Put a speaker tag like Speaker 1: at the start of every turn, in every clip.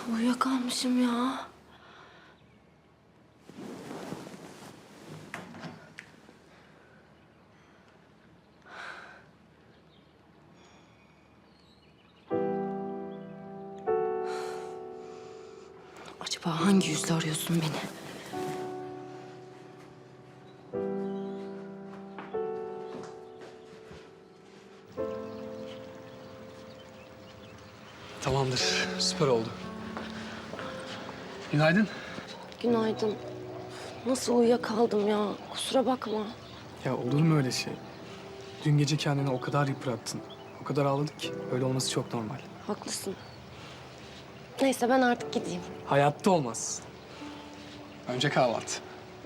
Speaker 1: Uyuyakalmışım ya. Acaba hangi yüzle arıyorsun beni?
Speaker 2: Tamamdır, süper oldu. Günaydın.
Speaker 1: Günaydın. Nasıl uyuyakaldım ya? Kusura bakma.
Speaker 2: Ya olur mu öyle şey? Dün gece kendini o kadar yıprattın, o kadar ağladık ki öyle olması çok normal.
Speaker 1: Haklısın. Neyse ben artık gideyim.
Speaker 2: Hayatta olmaz. Önce kahvaltı.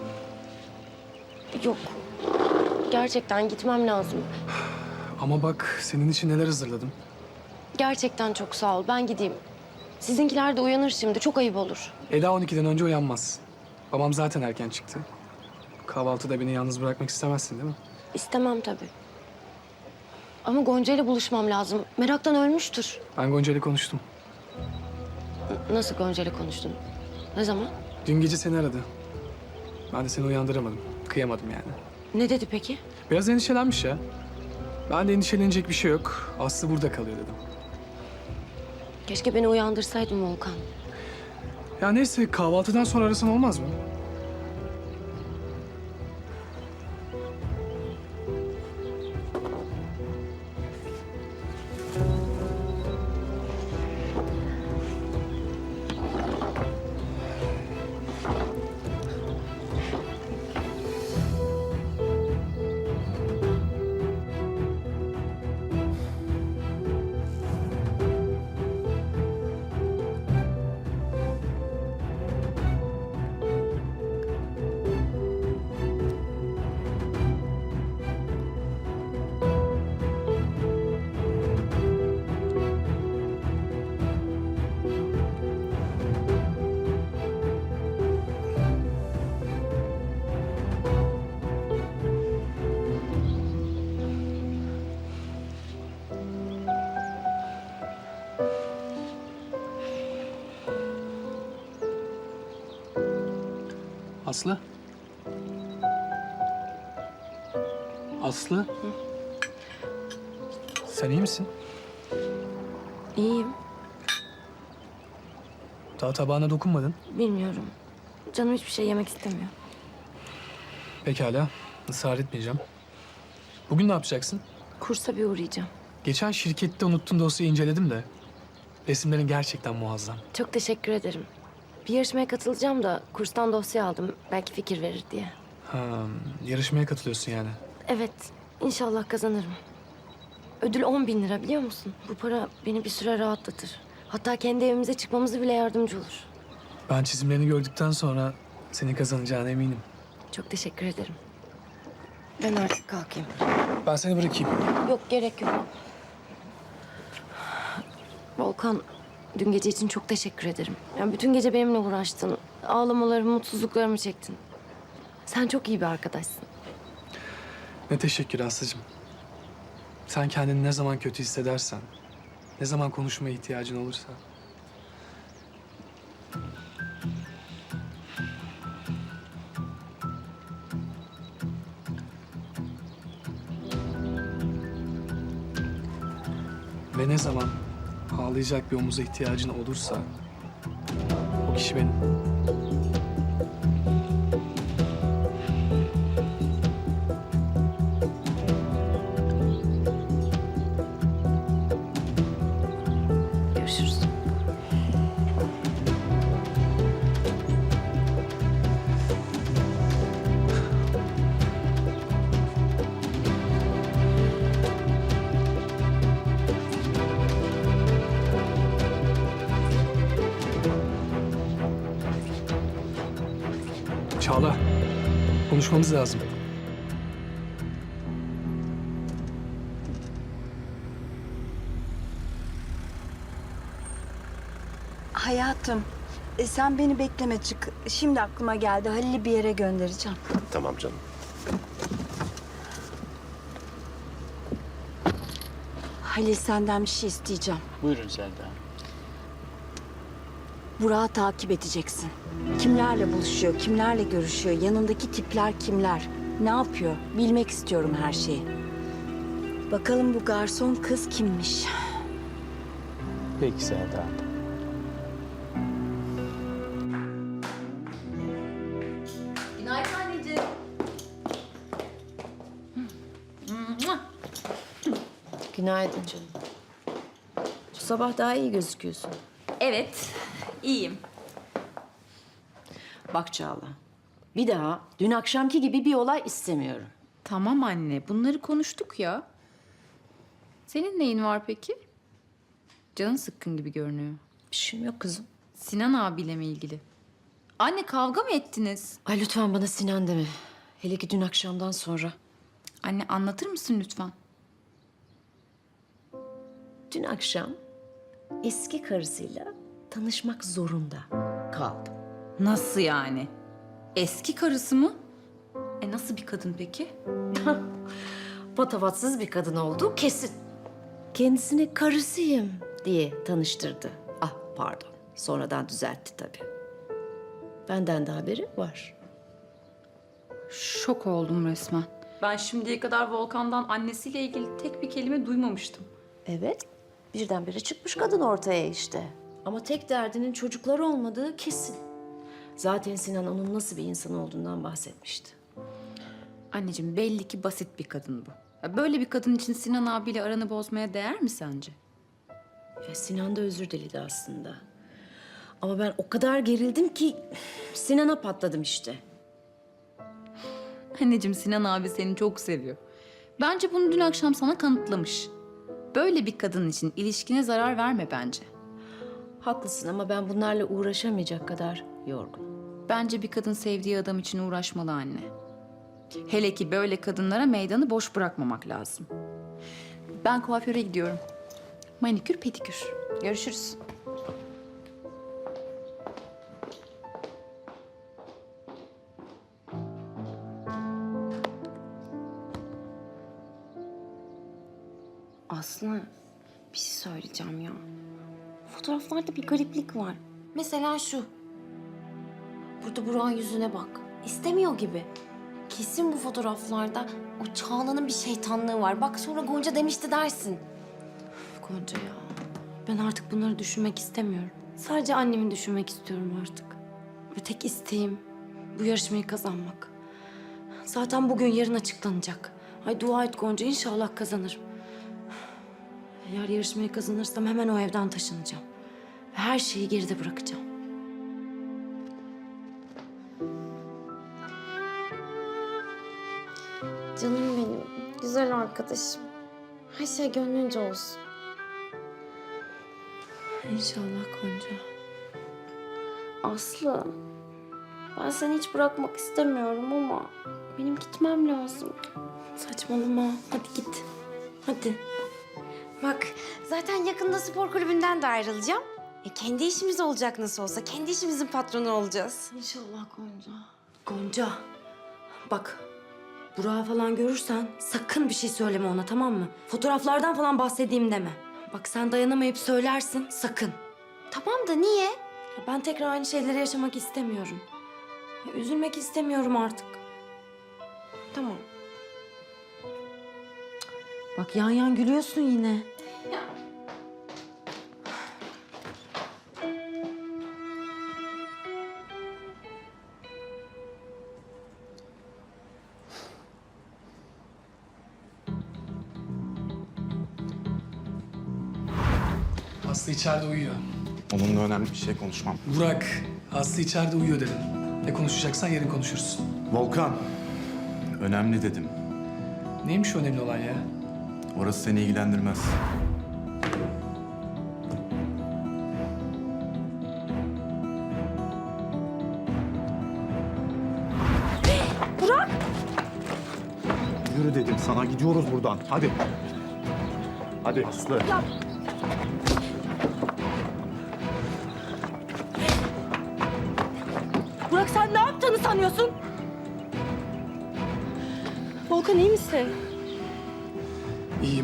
Speaker 1: Yok. Gerçekten gitmem lazım.
Speaker 2: Ama bak senin için neler hazırladım.
Speaker 1: Gerçekten çok sağ ol. Ben gideyim. Sizinkiler de uyanır şimdi. Çok ayıp olur.
Speaker 2: Eda 12'den önce uyanmaz. Babam zaten erken çıktı. Kahvaltıda beni yalnız bırakmak istemezsin değil mi?
Speaker 1: İstemem tabii. Ama Gonca ile buluşmam lazım. Meraktan ölmüştür.
Speaker 2: Ben Gonca ile konuştum.
Speaker 1: Nasıl Gonca ile konuştun? Ne zaman?
Speaker 2: Dün gece seni aradı. Ben de seni uyandıramadım. Kıyamadım yani.
Speaker 1: Ne dedi peki?
Speaker 2: Biraz endişelenmiş ya. Ben de endişelenecek bir şey yok. Aslı burada kalıyor dedim.
Speaker 1: Keşke beni uyandırsaydın Volkan.
Speaker 2: Ya neyse kahvaltıdan sonra arasan olmaz mı? Aslı? Aslı? Sen iyi misin?
Speaker 1: İyiyim.
Speaker 2: Daha tabağına dokunmadın.
Speaker 1: Bilmiyorum. Canım hiçbir şey yemek istemiyor.
Speaker 2: Pekala. Israr etmeyeceğim. Bugün ne yapacaksın?
Speaker 1: Kursa bir uğrayacağım.
Speaker 2: Geçen şirkette unuttuğun dosyayı inceledim de. Resimlerin gerçekten muazzam.
Speaker 1: Çok teşekkür ederim. Bir yarışmaya katılacağım da kurstan dosya aldım. Belki fikir verir diye.
Speaker 2: Ha, yarışmaya katılıyorsun yani.
Speaker 1: Evet, inşallah kazanırım. Ödül 10.000 lira biliyor musun? Bu para beni bir süre rahatlatır. Hatta kendi evimize çıkmamızı bile yardımcı olur.
Speaker 2: Ben çizimlerini gördükten sonra senin kazanacağına eminim.
Speaker 1: Çok teşekkür ederim. Ben artık kalkayım.
Speaker 2: Ben seni bırakayım.
Speaker 1: Yok, gerek yok. Volkan, dün gece için çok teşekkür ederim. Yani bütün gece benimle uğraştın. Ağlamalarımı, mutsuzluklarımı çektin. Sen çok iyi bir arkadaşsın.
Speaker 2: Ne teşekkür Aslı'cığım. Sen kendini ne zaman kötü hissedersen, ne zaman konuşmaya ihtiyacın olursa. Ve ne zaman ağlayacak bir omuza ihtiyacın olursa, o kişi benim.
Speaker 1: Görüşürüz.
Speaker 2: Çağla, konuşmamız lazım.
Speaker 3: Hayatım, sen beni bekleme çık. Şimdi aklıma geldi. Halil'i bir yere göndereceğim.
Speaker 4: Tamam canım.
Speaker 3: Halil senden bir şey isteyeceğim.
Speaker 5: Buyurun Selda.
Speaker 3: Burak'ı takip edeceksin. Kimlerle buluşuyor, kimlerle görüşüyor, yanındaki tipler kimler, ne yapıyor? Bilmek istiyorum her şeyi. Bakalım bu garson kız kimmiş?
Speaker 4: Peki Selda.
Speaker 5: Günaydın anneciğim.
Speaker 6: Günaydın canım. Bu sabah daha iyi gözüküyorsun.
Speaker 5: Evet, iyiyim.
Speaker 6: Bak Çağla, bir daha dün akşamki gibi bir olay istemiyorum.
Speaker 5: Tamam anne, bunları konuştuk ya. Senin neyin var peki? Canın sıkkın gibi görünüyor.
Speaker 6: Bir şeyim yok kızım.
Speaker 5: Sinan abiyle mi ilgili? Anne kavga mı ettiniz?
Speaker 6: Ay lütfen bana Sinan deme. Hele ki dün akşamdan sonra.
Speaker 5: Anne anlatır mısın lütfen?
Speaker 6: Dün akşam eski karısıyla tanışmak zorunda kaldım.
Speaker 5: Nasıl yani? Eski karısı mı? Nasıl bir kadın peki?
Speaker 6: Patavatsız bir kadın olduğu kesin. Kendisine karısıyım diye tanıştırdı. Ah pardon, sonradan düzeltti tabii. Benden de haberi var.
Speaker 5: Şok oldum resmen. Ben şimdiye kadar Volkan'dan annesiyle ilgili tek bir kelime duymamıştım.
Speaker 6: Evet, birdenbire çıkmış kadın ortaya işte. Ama tek derdinin çocuklar olmadığı kesin. Zaten Sinan onun nasıl bir insan olduğundan bahsetmişti.
Speaker 5: Anneciğim belli ki basit bir kadın bu. Ya böyle bir kadın için Sinan abiyle aranı bozmaya değer mi sence?
Speaker 6: Ya Sinan da özür diledi aslında. Ama ben o kadar gerildim ki Sinan'a patladım işte.
Speaker 5: Anneciğim Sinan abi seni çok seviyor. Bence bunu dün akşam sana kanıtlamış. Böyle bir kadın için ilişkine zarar verme bence.
Speaker 6: Haklısın ama ben bunlarla uğraşamayacak kadar yorgun.
Speaker 5: Bence bir kadın sevdiği adam için uğraşmalı anne. Hele ki böyle kadınlara meydanı boş bırakmamak lazım. Ben kuaföre gidiyorum. Manikür, pedikür. Görüşürüz.
Speaker 1: Aslı, bir şey söyleyeceğim ya. Fotoğraflarda bir gariplik var. Mesela şu. Burada Burak'ın yüzüne bak. İstemiyor gibi. Kesin bu fotoğraflarda o Çağla'nın bir şeytanlığı var. Bak sonra Gonca demişti dersin. Üf, Gonca ya. Ben artık bunları düşünmek istemiyorum. Sadece annemi düşünmek istiyorum artık. Ve tek isteğim bu yarışmayı kazanmak. Zaten bugün yarın açıklanacak. Ay dua et Gonca, inşallah kazanırım. Eğer yarışmayı kazanırsam hemen o evden taşınacağım. Ve her şeyi geride bırakacağım. Canım benim, güzel arkadaşım. Her şey gönlünce olsun. İnşallah Gonca. Aslı, ben seni hiç bırakmak istemiyorum ama benim gitmem lazım. Saçmalama, hadi git. Hadi.
Speaker 7: Bak zaten yakında spor kulübünden de ayrılacağım. Kendi işimiz olacak nasıl olsa. Kendi işimizin patronu olacağız.
Speaker 1: İnşallah Gonca. Gonca, bak Burak'ı falan görürsen sakın bir şey söyleme ona, tamam mı? Fotoğraflardan falan bahsedeyim deme. Bak sen dayanamayıp söylersin, sakın.
Speaker 7: Tamam da niye?
Speaker 1: Ya ben tekrar aynı şeyleri yaşamak istemiyorum. Ya üzülmek istemiyorum artık.
Speaker 7: Tamam.
Speaker 1: Bak yan yan gülüyorsun yine.
Speaker 2: Aslı içeride uyuyor.
Speaker 8: Onunla önemli bir şey konuşmam.
Speaker 2: Burak, Aslı içeride uyuyor dedim. Ne konuşacaksan yarın konuşuruz.
Speaker 8: Volkan, önemli dedim.
Speaker 2: Neymiş önemli olan ya?
Speaker 8: Orası seni ilgilendirmez.
Speaker 4: Yürü dedim sana, gidiyoruz buradan. Hadi. Hadi. Aslı.
Speaker 3: Burak sen ne yaptığını sanıyorsun? Volkan iyi misin?
Speaker 2: İyiyim.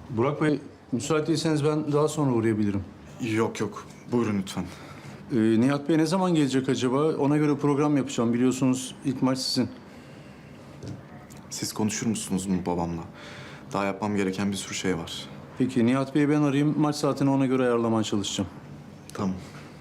Speaker 9: Burak Bey, müsait değilseniz ben daha sonra uğrayabilirim.
Speaker 8: Yok yok. Buyurun lütfen.
Speaker 9: Nihat Bey ne zaman gelecek acaba? Ona göre program yapacağım. Biliyorsunuz ilk maç sizin.
Speaker 8: Siz konuşur musunuz mu babamla? Daha yapmam gereken bir sürü şey var.
Speaker 9: Peki Nihat Bey'i ben arayayım. Maç saatini ona göre ayarlamaya çalışacağım.
Speaker 8: Tamam.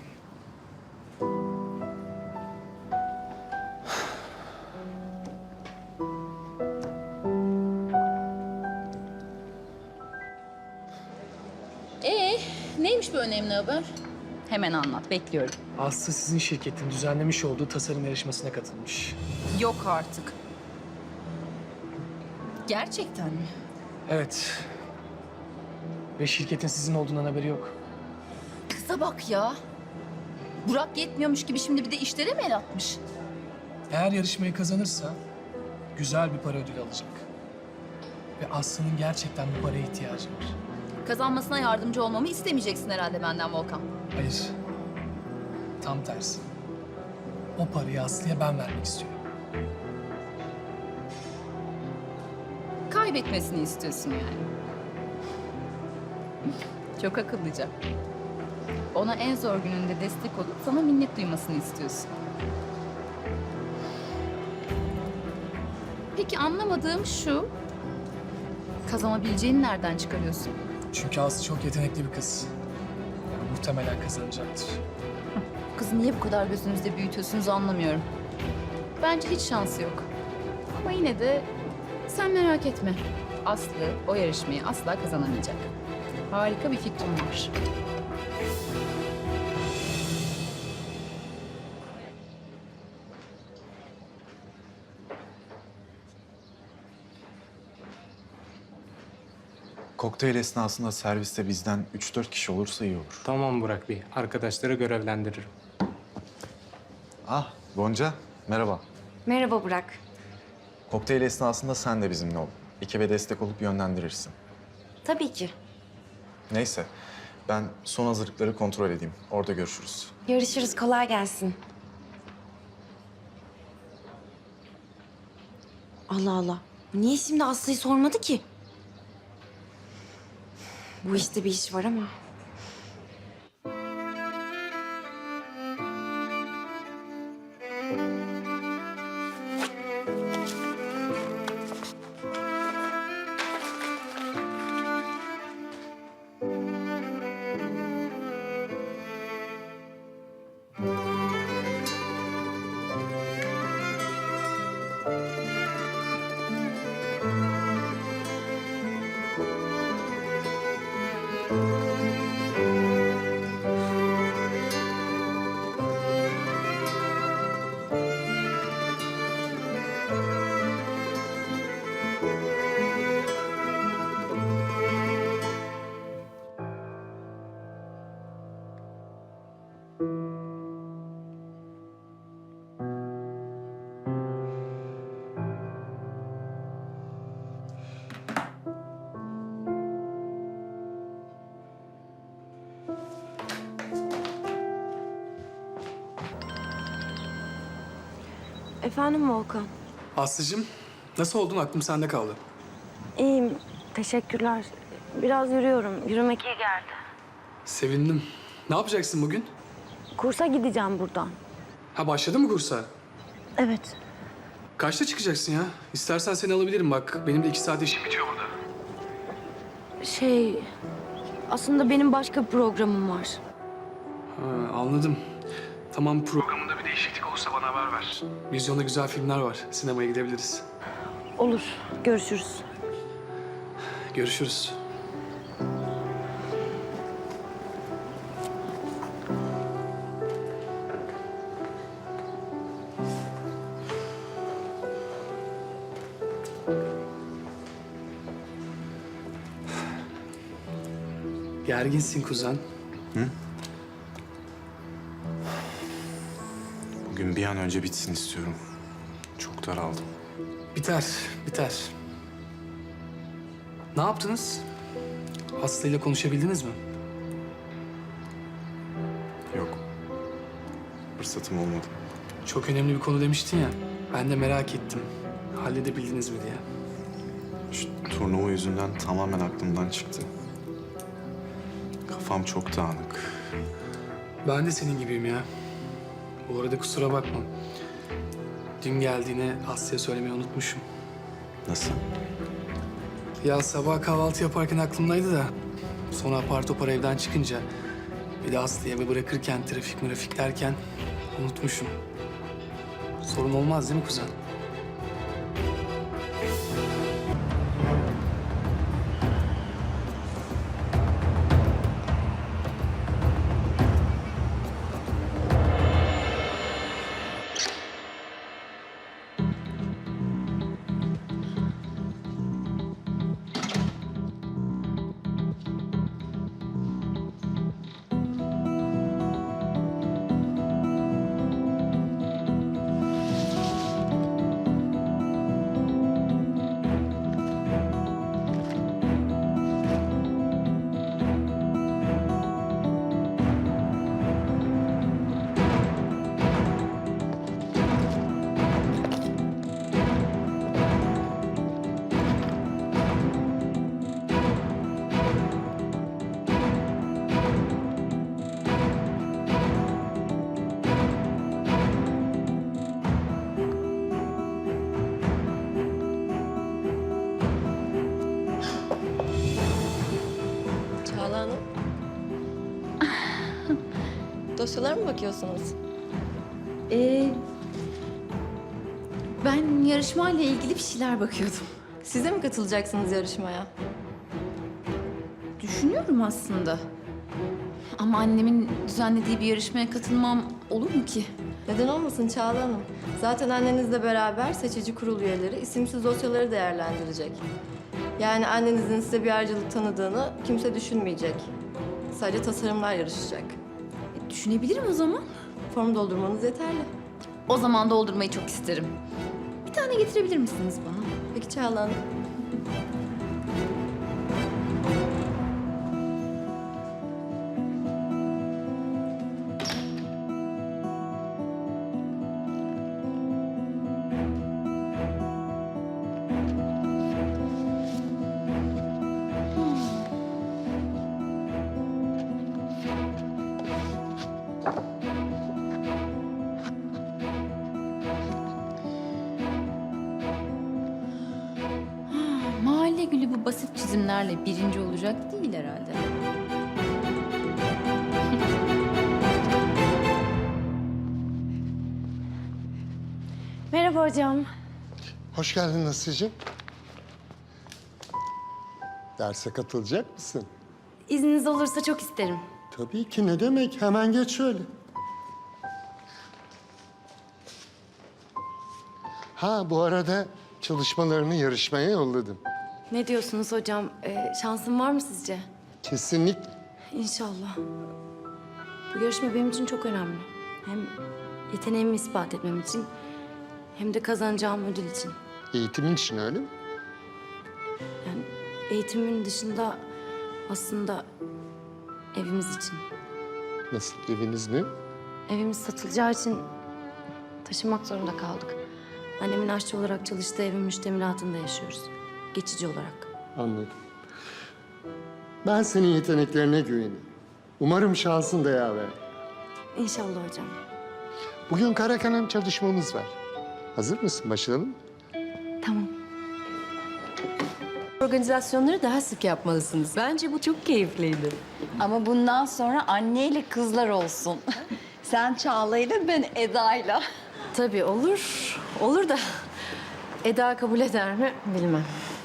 Speaker 5: Neymiş bu önemli haber? Hemen anlat, bekliyorum.
Speaker 2: Aslı sizin şirketin düzenlemiş olduğu tasarım yarışmasına katılmış.
Speaker 5: Yok artık. Gerçekten mi?
Speaker 2: Evet. Ve şirketin sizin olduğundan haberi yok.
Speaker 5: Kıza bak ya. Burak yetmiyormuş gibi şimdi bir de işlere mi el atmış?
Speaker 2: Eğer yarışmayı kazanırsa güzel bir para ödülü alacak. Ve Aslı'nın gerçekten bu paraya ihtiyacı var.
Speaker 5: Kazanmasına yardımcı olmamı istemeyeceksin herhalde benden Volkan.
Speaker 2: Hayır. Tam tersi. O parayı Aslı'ya ben vermek istiyorum.
Speaker 5: Kaybetmesini istiyorsun yani. Çok akıllıca. Ona en zor gününde destek olup sana minnet duymasını istiyorsun. Peki anlamadığım şu. Kazanabileceğini nereden çıkarıyorsun?
Speaker 2: Çünkü Aslı çok yetenekli bir kız. Yani muhtemelen kazanacaktır.
Speaker 5: Kızı niye bu kadar gözünüzde büyütüyorsunuz anlamıyorum. Bence hiç şansı yok. Ama yine de sen merak etme. Aslı o yarışmayı asla kazanamayacak. Harika bir fikrim var.
Speaker 8: Kokteyl esnasında serviste bizden 3-4 kişi olursa iyi olur.
Speaker 10: Tamam Burak Bey. Arkadaşları görevlendiririm.
Speaker 8: Ah Gonca, merhaba.
Speaker 7: Merhaba Burak.
Speaker 8: Kokteyl esnasında sen de bizimle ol. Ekibe destek olup yönlendirirsin.
Speaker 7: Tabii ki.
Speaker 8: Neyse, ben son hazırlıkları kontrol edeyim. Orada görüşürüz.
Speaker 7: Görüşürüz. Kolay gelsin. Allah Allah. Niye şimdi Aslı'yı sormadı ki? Bu işte bir iş var ama.
Speaker 3: Efendim Volkan.
Speaker 2: Aslı'cığım, nasıl oldun? Aklım sende kaldı.
Speaker 3: İyiyim. Teşekkürler. Biraz yürüyorum. Yürümek iyi geldi.
Speaker 2: Sevindim. Ne yapacaksın bugün?
Speaker 3: Kursa gideceğim buradan.
Speaker 2: Ha başladın mı kursa?
Speaker 3: Evet.
Speaker 2: Kaçta çıkacaksın ya? İstersen seni alabilirim bak. Benim de 2 saat işim bitiyor burada.
Speaker 3: Aslında benim başka bir programım var.
Speaker 2: Ha, anladım. Tamam, programında bir değişiklik olursa bana haber ver. Vizyonda güzel filmler var. Sinemaya gidebiliriz.
Speaker 3: Olur. Görüşürüz.
Speaker 2: Görüşürüz. Gerginsin kuzen.
Speaker 8: Bugün bir an önce bitsin istiyorum. Çok daraldım.
Speaker 2: Biter, biter. Ne yaptınız? Aslı'yla konuşabildiniz mi?
Speaker 8: Yok. Fırsatım olmadı.
Speaker 2: Çok önemli bir konu demiştin ya. Ben de merak ettim. Halledebildiniz mi diye.
Speaker 8: Şu turnuva yüzünden tamamen aklımdan çıktı. Kafam çok dağınık.
Speaker 2: Ben de senin gibiyim ya. Bu arada kusura bakma. Dün geldiğine Aslı'ya söylemeyi unutmuşum.
Speaker 8: Nasıl?
Speaker 2: Ya sabah kahvaltı yaparken aklımdaydı da... ...sonra apar topar evden çıkınca... ...bir de Aslı'yı eve bırakırken trafik derken... ...unutmuşum. Sorun olmaz değil mi kuzen?
Speaker 6: Çağla Hanım. Dosyalara mı bakıyorsunuz?
Speaker 5: Ben yarışmayla ilgili bir şeyler bakıyordum.
Speaker 6: Siz de mi katılacaksınız yarışmaya?
Speaker 5: Düşünüyorum aslında. Ama annemin düzenlediği bir yarışmaya katılmam olur mu ki?
Speaker 6: Neden olmasın Çağla Hanım? Zaten annenizle beraber seçici kurul üyeleri isimsiz dosyaları değerlendirecek. Yani annenizin size bir ayrıcalık tanıdığını kimse düşünmeyecek. Sadece tasarımlar yarışacak.
Speaker 5: Düşünebilirim o zaman.
Speaker 6: Form doldurmanız yeterli.
Speaker 5: O zaman doldurmayı çok isterim. Bir tane getirebilir misiniz bana?
Speaker 6: Peki Çağla Hanım.
Speaker 5: Mahalle gülü bu basit çizimlerle birinci olacak değil herhalde.
Speaker 7: Merhaba hocam.
Speaker 11: Hoş geldin Aslı'cığım. Derse katılacak mısın?
Speaker 7: İzniniz olursa çok isterim.
Speaker 11: Tabii ki, ne demek. Hemen geç şöyle. Ha, bu arada çalışmalarını yarışmaya yolladım.
Speaker 7: Ne diyorsunuz hocam? Şansım var mı sizce?
Speaker 11: Kesinlikle.
Speaker 7: İnşallah. Bu yarışma benim için çok önemli. Hem yeteneğimi ispat etmem için hem de kazanacağım ödül için.
Speaker 11: Eğitimin için öyle mi?
Speaker 7: Yani eğitimin dışında aslında evimiz için.
Speaker 11: Nasıl, eviniz mi?
Speaker 7: Evimiz satılacağı için taşınmak zorunda kaldık. Annemin aşçı olarak çalıştığı evin müştemilatında yaşıyoruz. Geçici olarak.
Speaker 11: Anladım. Ben senin yeteneklerine güveniyorum. Umarım şansın da yaver.
Speaker 7: İnşallah hocam.
Speaker 11: Bugün kara kalem çalışmamız var. Hazır mısın? Başlayalım mı?
Speaker 7: Tamam.
Speaker 6: Organizasyonları daha sık yapmalısınız. Bence bu çok keyifliydi.
Speaker 3: Ama bundan sonra anneyle kızlar olsun. Sen Çağla'yla, ben Eda'yla.
Speaker 6: Tabii olur. Olur da Eda kabul eder mi bilmem.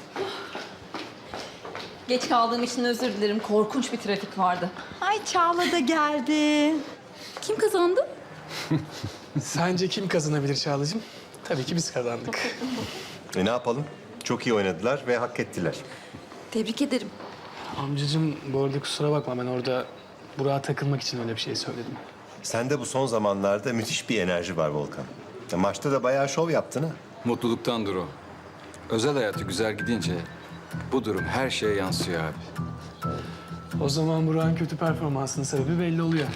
Speaker 5: Geç kaldığım için özür dilerim. Korkunç bir trafik vardı.
Speaker 3: Ay Çağla da geldi.
Speaker 5: Kim kazandı?
Speaker 2: Sence kim kazanabilir Çağla'cığım? Tabii ki biz kazandık.
Speaker 12: Ne yapalım? Çok iyi oynadılar ve hak ettiler.
Speaker 5: Tebrik ederim.
Speaker 2: Amcacığım bu arada kusura bakma, ben orada Burak'a takılmak için öyle bir şey söyledim.
Speaker 12: Sende bu son zamanlarda müthiş bir enerji var Volkan. Maçta da bayağı şov yaptın ha.
Speaker 13: Mutluluktandır o. Özel hayatı güzel gidince bu durum her şeye yansıyor abi.
Speaker 2: O zaman Burak'ın kötü performansının sebebi belli oluyor.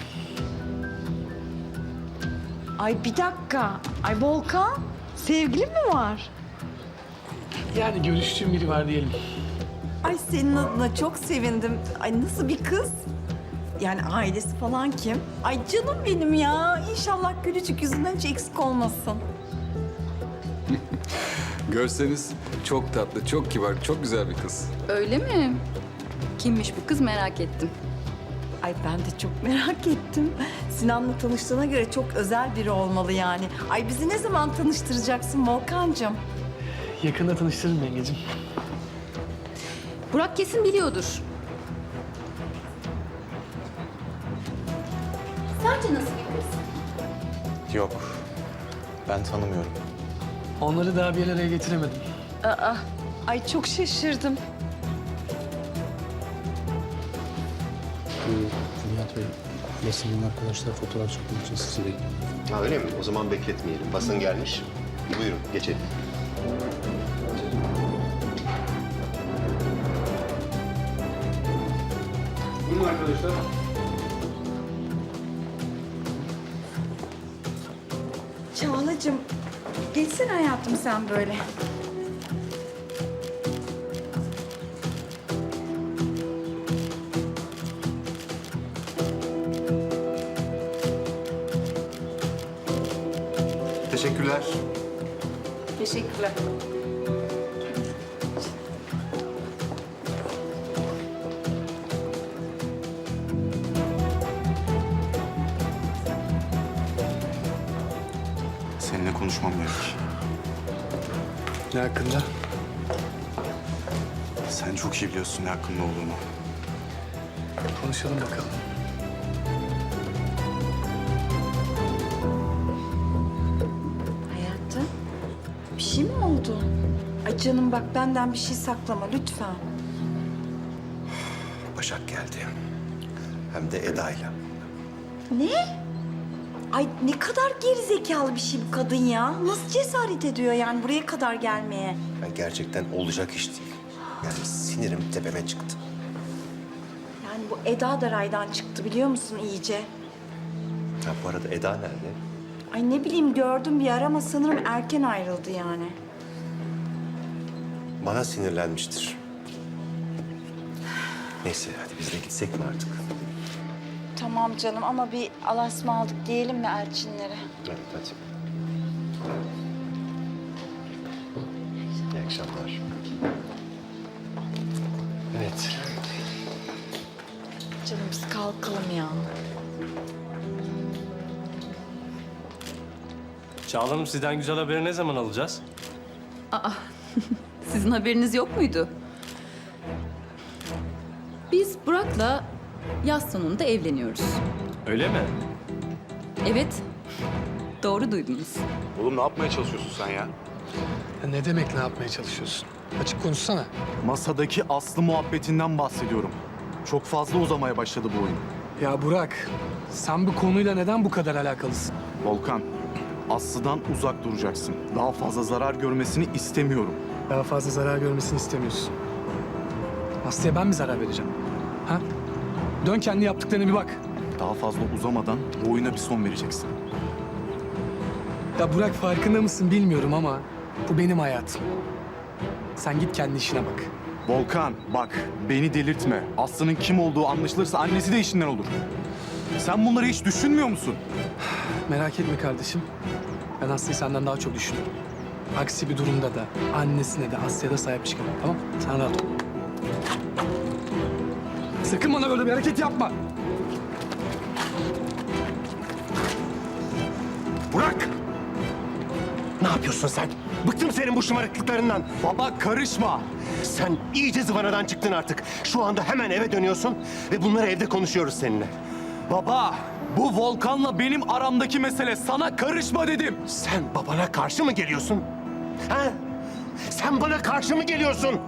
Speaker 3: Ay bir dakika. Ay Volkan, sevgilin mi var?
Speaker 2: Yani görüştüğüm biri var diyelim.
Speaker 3: Ay senin adına çok sevindim. Ay nasıl bir kız? Yani ailesi falan kim? Ay canım benim ya. İnşallah gülücük yüzünden hiç eksik olmasın.
Speaker 13: Görseniz çok tatlı, çok kibar, çok güzel bir kız.
Speaker 5: Öyle mi? Kimmiş bu kız merak ettim.
Speaker 3: Ay ben de çok merak ettim. Sinan'la tanıştığına göre çok özel biri olmalı yani. Ay bizi ne zaman tanıştıracaksın Volkan'cığım?
Speaker 2: Yakında tanıştırırım yengecim.
Speaker 5: Burak kesin biliyordur. Sence nasıl bir kız?
Speaker 8: Yok. Ben tanımıyorum.
Speaker 2: Onları daha bir araya getiremedim.
Speaker 3: Ay çok şaşırdım.
Speaker 9: Nihat Bey, basının arkadaşlar fotoğraf çekmek için sizi bekliyor.
Speaker 12: Ha öyle mi? O zaman bekletmeyelim. Basın gelmiş. Buyurun geçelim.
Speaker 9: Buyurun arkadaşlar.
Speaker 3: Çağla'cığım geçsene hayatım sen böyle.
Speaker 8: Teşekkürler.
Speaker 5: Teşekkürler.
Speaker 8: Seninle konuşmam gerek.
Speaker 2: Ne hakkında?
Speaker 8: Sen çok iyi biliyorsun ne hakkında olduğunu.
Speaker 2: Konuşalım bakalım.
Speaker 3: Hayatım bir şey mi oldu? Ay canım bak benden bir şey saklama lütfen.
Speaker 12: Başak geldi. Hem de Eda'yla.
Speaker 3: Ne? Ay ne kadar gerizekalı bir şey bu kadın ya. Nasıl cesaret ediyor yani buraya kadar gelmeye?
Speaker 12: Yani gerçekten olacak iş değil. Yani sinirim tepeme çıktı.
Speaker 3: Yani bu Eda da raydan çıktı biliyor musun iyice?
Speaker 12: Ha, bu arada Eda nerede?
Speaker 3: Ay ne bileyim gördüm bir ara ama sanırım erken ayrıldı yani.
Speaker 12: Bana sinirlenmiştir. Neyse hadi biz de gitsek mi artık?
Speaker 3: Tamam canım ama bir alasma aldık diyelim mi Elçinlere?
Speaker 12: Evet hadi. İyi akşamlar.
Speaker 2: Evet.
Speaker 3: Canım biz kalkalım ya.
Speaker 14: Çağla Hanım sizden güzel haberi ne zaman alacağız?
Speaker 5: Sizin haberiniz yok muydu? Biz Burak'la yaz sonunda evleniyoruz.
Speaker 14: Öyle mi?
Speaker 5: Evet, doğru duydunuz.
Speaker 4: Oğlum ne yapmaya çalışıyorsun sen ya?
Speaker 2: Ya ne demek ne yapmaya çalışıyorsun? Açık konuşsana.
Speaker 4: Masadaki Aslı muhabbetinden bahsediyorum. Çok fazla uzamaya başladı bu oyun.
Speaker 2: Ya Burak, sen bu konuyla neden bu kadar alakalısın?
Speaker 4: Volkan, Aslı'dan uzak duracaksın. Daha fazla zarar görmesini istemiyorum.
Speaker 2: Daha fazla zarar görmesini istemiyorsun. Aslı'ya ben mi zarar vereceğim? Ha? Dön kendi yaptıklarına bir bak.
Speaker 4: Daha fazla uzamadan bu oyuna bir son vereceksin.
Speaker 2: Ya Burak farkında mısın bilmiyorum ama bu benim hayatım. Sen git kendi işine bak.
Speaker 4: Volkan bak beni delirtme. Aslı'nın kim olduğu anlaşılırsa annesi de işinden olur. Sen bunları hiç düşünmüyor musun?
Speaker 2: Merak etme kardeşim. Ben Aslı'yı senden daha çok düşünüyorum. Aksi bir durumda da annesine de Aslı'ya da sahip çıkarım. Tamam? Sen rahat ol. Sakın bana böyle bir hareket yapma.
Speaker 12: Burak! Ne yapıyorsun sen? Bıktım senin bu şımarıklıklarından.
Speaker 4: Baba karışma.
Speaker 12: Sen iyice zıvanadan çıktın artık. Şu anda hemen eve dönüyorsun ve bunları evde konuşuyoruz seninle.
Speaker 4: Baba bu Volkan'la benim aramdaki mesele. Sana karışma dedim.
Speaker 12: Sen babana karşı mı geliyorsun? Ha? Sen bana karşı mı geliyorsun?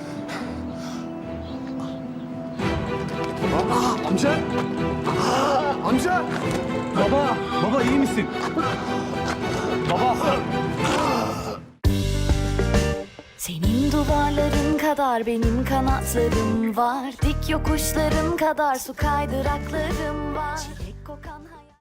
Speaker 2: Amca! Amca!
Speaker 4: Baba iyi misin? Baba.
Speaker 15: Senin duvarların kadar benim kanatlarım var. Dik yokuşların kadar su kaydıraklarım var. Çilek kokan